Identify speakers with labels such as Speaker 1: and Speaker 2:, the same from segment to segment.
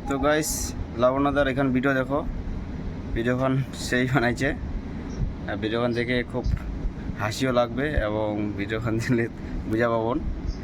Speaker 1: তো গাইস লাবণ্যদার এখান ভিডিও দেখো, ভিডিওখান সেই বানাইছে। ভিডিওখান দেখে খুব হাসিও লাগবে এবং ভিডিওখান দিলে বুঝা পাবন।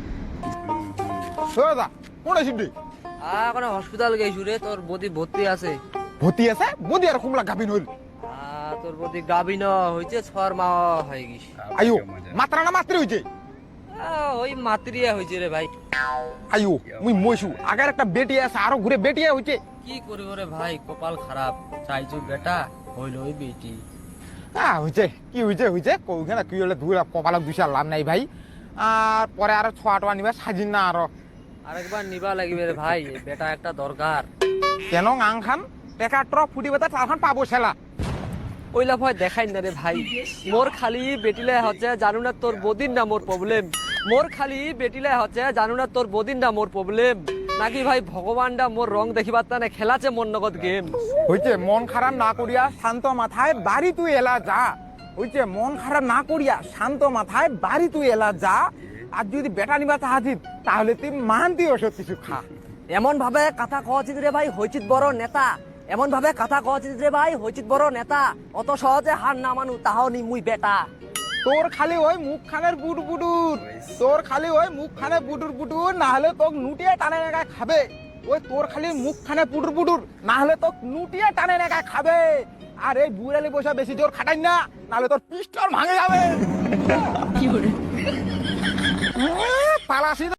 Speaker 2: দাদা কোন আছিস
Speaker 3: এখন হসপিটাল গেছু রে, তোর বদি ভর্তি আছে।
Speaker 2: ভর্তি আছে বদি আর কুমলা গাবিন হইল
Speaker 3: তোর বদি গাবিন হইছে, 6 মাস হয়ে গেছে।
Speaker 2: আয়ো মাত্রা না মাত্রি হইছে
Speaker 3: ওই মাতরিয়া হইছে রে ভাই।
Speaker 2: আয়ো মুই মইছু আগের একটা বেটি আছে আরো ঘুরে বেটিয়া হইছে।
Speaker 3: কি করিব রে ভাই, কপাল খারাপ। চাইছু বেটা হইল ওই বেটি।
Speaker 2: হইছে কি হইছে হইছে কইখানে কি হলে দুই কপালে দুইশা লাভ নাই ভাই। আর পরে আরো ছোয়া টোয়া নিবা সাজিন না আরো
Speaker 3: আরেকবার নিবা লাগিবে রে ভাই, এই বেটা একটা দরকার।
Speaker 2: কেন আংখান টেকা ট্রক ফুটিবে তা তারখান পাবো ছেলা।
Speaker 3: ওইলা ভয় দেখাই না রে ভাই, মোর খালি বেটিলে হচ্ছে জানু না তোর বদিন না মোর প্রবলেম। মোর খালি বেটিলে হচ্ছে জানু না তোর বদিন না মোর প্রবলেম। নাকি ভাই ভগবানটা মোর রং দেখিবার তানে খেলাছে মন নগদ গেম।
Speaker 2: হইছে মন খারাপ না করিয়া শান্ত মাথায় বাড়ি তুই এলা যা। হইছে মন খারাপ না করিয়া শান্ত মাথায় বাড়ি তুই এলা যা। আর যদি বেটা নিবা চাহাছিস তাহলে তুই মানতি ওষুধ কিছু খা।
Speaker 3: এমন ভাবে কথা কওয়াচিত রে ভাই, হইচিত বড় নেতা। এমন ভাবে কথা কওয়াচিত রে ভাই, হইচিত বড় নেতা। অত সহজে হার না মানু তাহাও নি মুই বেটা।
Speaker 2: তোর খালি ওই মুখ খানের বুটুর বুটুর, তোর খালি ওই মুখ খানে বুটুর বুটুর, না হলে তোকে নুটিয়ে টানে নেগায় খাবে। ওই তোর খালি মুখ খানে পুটুর পুটুর, না হলে তোকে নুটিয়ে টানে নেগায় খাবে। আর এই বুড়ালি বসে বেশি জোর খাটাই না, নাহলে তোর পিস্টল ভাঙে যাবে। পালাসি